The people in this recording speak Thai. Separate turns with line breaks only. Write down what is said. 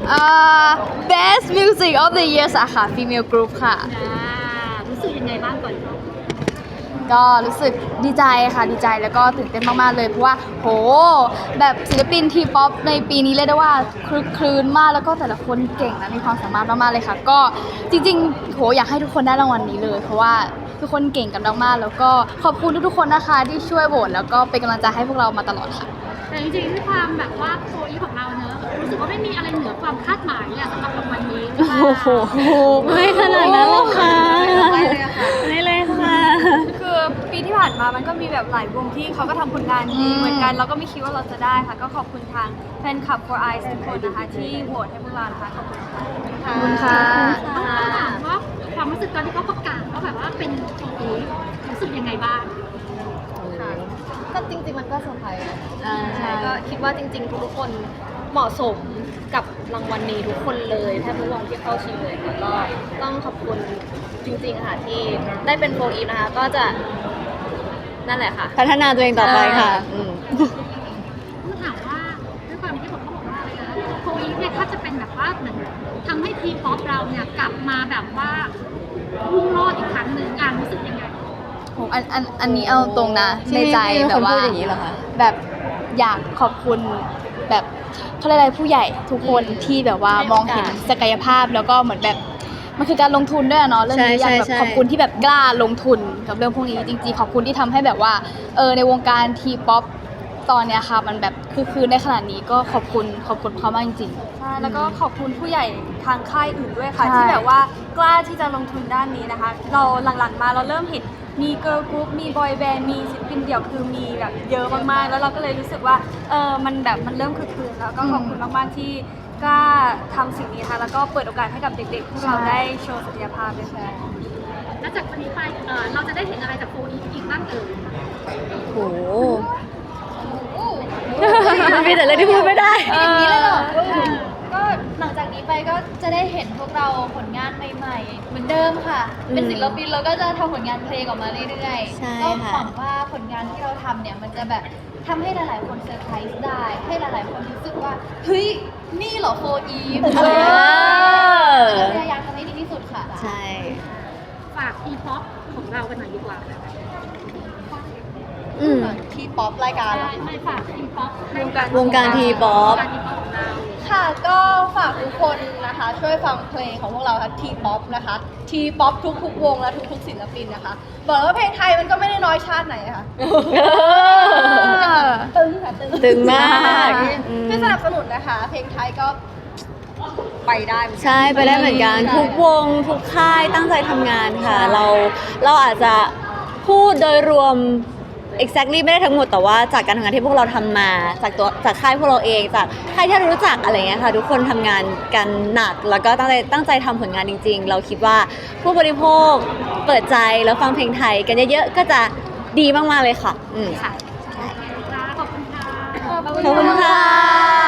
อ่า Best Music of the Year สาขา Female Group ค่ะ
รู้สึกยังไงบ้างก่อน
ก็รู้สึกดีใจค่ะดีใจแล้วก็ตื่นเต้นมากๆเลยเพราะว่าโหแบบศิลปินทีป๊อปในปีนี้เรียกได้ว่าคลึกคลื้นมากแล้วก็แต่ละคนเก่งและมีความสามารถมากๆเลยค่ะก็จริงๆโหอยากให้ทุกคนได้รางวัลนี้เลยเพราะว่าทุกคนเก่งกันมากๆแล้วก็ขอบคุณทุกๆคนนะคะที่ช่วยโหวตแล้วก็เป็นกำลังใจให้พวกเรามาตลอดค่ะ
แต่จริงๆด้วยความแบบว่าโคอีของเราเนอะรู้สึกว่าไม่มีอะไรเหนือความคาดหมายอะสำหรับรางวัลนี้
โอ้โหไม่ขนาดนั้นหรอกค่ะไม่เลยค่ะ
คือปีที่ผ่านมามันก็มีแบบหลายวงที่เขาก็ทำผลงานดีเหมือนกันเราก็ไม่คิดว่าเราจะได้ค่ะก็ขอบคุณทางแฟนคลับ For Eyes ทุกคนนะคะที่โหวตให้พวกเรานะคะขอบคุณค่ะ
ขอบคุณค่ะ
ต้องถามว่าความรู้สึกตอนที่เขาประกาศว่าแบบว่าเป็นโคอีรู้สึกยังไงบ้าง
ก็จริงๆมันก็เซอร์ไพรส์นะ
ใช่
ก็คิดว่าจริงๆทุกๆคนเหมาะสมกับรางวัลนี้ทุกคนเลยแทบทุกวงที่เข้าชิงเลยค่ะก็ต้องขอบคุณจริงๆค่ะที่ได้เป็นโฟอีฟนะคะก็จะนั่นแหละค่ะ
พัฒนาตัวเองต่อไปค่ะ
ต้องถามว่าด้วยความที่เขาบอกว่าอะไรนะโคอีเนี่ยถ้าจะเป็นแบบว่าเหมือนทำให้ทีป๊อปเราเนี่ยกลับมาแบบว่ารุ่งโรจน์อีกครั้งหนึ่งรู้สึกยังไง
โหอันนี้เอาตรงนะในใจแบบว่า
พูดอย่างนี้เหรอคะ
แบบอยากขอบคุณแบบเขาเรียกอะไรผู้ใหญ่ทุกคนที่แบบว่ามองเห็นศักยภาพแล้วก็เหมือนแบบมันคือการลงทุนด้วยอะเนาะเรื่องนี้อยากแบบขอบคุณที่แบบกล้าลงทุนกับเรื่องพวกนี้จริงๆขอบคุณที่ทำให้แบบว่าในวงการทีป๊อปตอนเนี้ยค่ะมันแบบคือในขนาดนี้ก็ขอบคุณเขามากจริงๆ
ใช่แล้วก็ขอบคุณผู้ใหญ่ทางค่ายอื่นด้วยค่ะ
ใช่
ที่แบบว่ากล้าที่จะลงทุนด้านนี้นะคะ เราหลังๆมาเราเริ่มเห็นมีเกิร์ลกรุ๊ปมีบอยแบนด์มีศิลปินเดี่ยวคือมีแบบเยอะมากๆแล้วเราก็เลยรู้สึกว่ามันแบบมันเริ่มคึกคืนแล้วก็ขอบคุณมากๆที่กล้าทำสิ่งนี้ค่ะแล้วก็เปิดโอกาสให้กับเด็กๆพวกเราได้โชว์ศักยภาพด้วยค่ะ
แล้วจากวันนี้ไปเราจะได้เห็นอะไรจากโคอีอีกบ้างเอ่ย
โหมีแต่เรื่องที่พูดไม่ได้
อย่างนี้เลยเหรอ
ก็หลังจากนี้ไปก็จะได้เห็นพวกเราผลงานใหม่ๆ เหมือนเดิมค่ะ เป็นศิลปินเราก็จะทำผลงานเพลงออกมาเรื่อย
ใช่
ๆ ก็
ค่ะ
หวังว่าผลงานที่เราทำเนี่ยมันจะแบบทำให้หลายๆคนเซอร์ไพรส์ได้ ให้หลายๆคนรู้สึกว่า เฮ้ย นี่เหรอโฟอีฟอะไรอย่างเงี้ยเราพยายามทำให้ดีที่สุดค่ะ
ใช่
ฝากทีป๊อปของเรากันหน่อยดีกว่า
ทีป๊อปรายการ
ไม่ฝากทีป๊อป
วงการทีป๊อป
การทีป๊อปของเรา
ค่ะก็ฝากทุกคนนะคะช่วยฟังเพลงของพวกเราค่ะทีป๊อปนะคะทีป๊อปทุกๆวงและทุกๆศิลปินนะคะบอกเลยว่าเพลงไทยมันก็ไม่ได้น้อยชาติไหนค่ะตึงค่ะตึง
ตึงมาก
ช่วยสนับสนุนนะคะ เพลงไทยก็ไปได้เหมือนกัน
ใช่ไปได้เหมือนกันทุกวงทุกค่ายตั้งใจทำงานค่ะ เราอาจจะพูดโดยรวม exactly ไม่ได้ทั้งหมดแต่ว่าจากการทำงานที่พวกเราทำมาจากค่ายพวกเราเองจากค่ายที่เรารู้จักอะไรเงี้ยค่ะทุกคนทำงานกันหนักแล้วก็ตั้งใจทำผลงานจริงๆ เราคิดว่าผู้บริโภคเปิดใจแล้วฟังเพลงไทยกันเยอะๆก็จะดีมากๆเลยค่ะ
ค่ะขอบคุณค่ะ
ขอบคุณค่ะ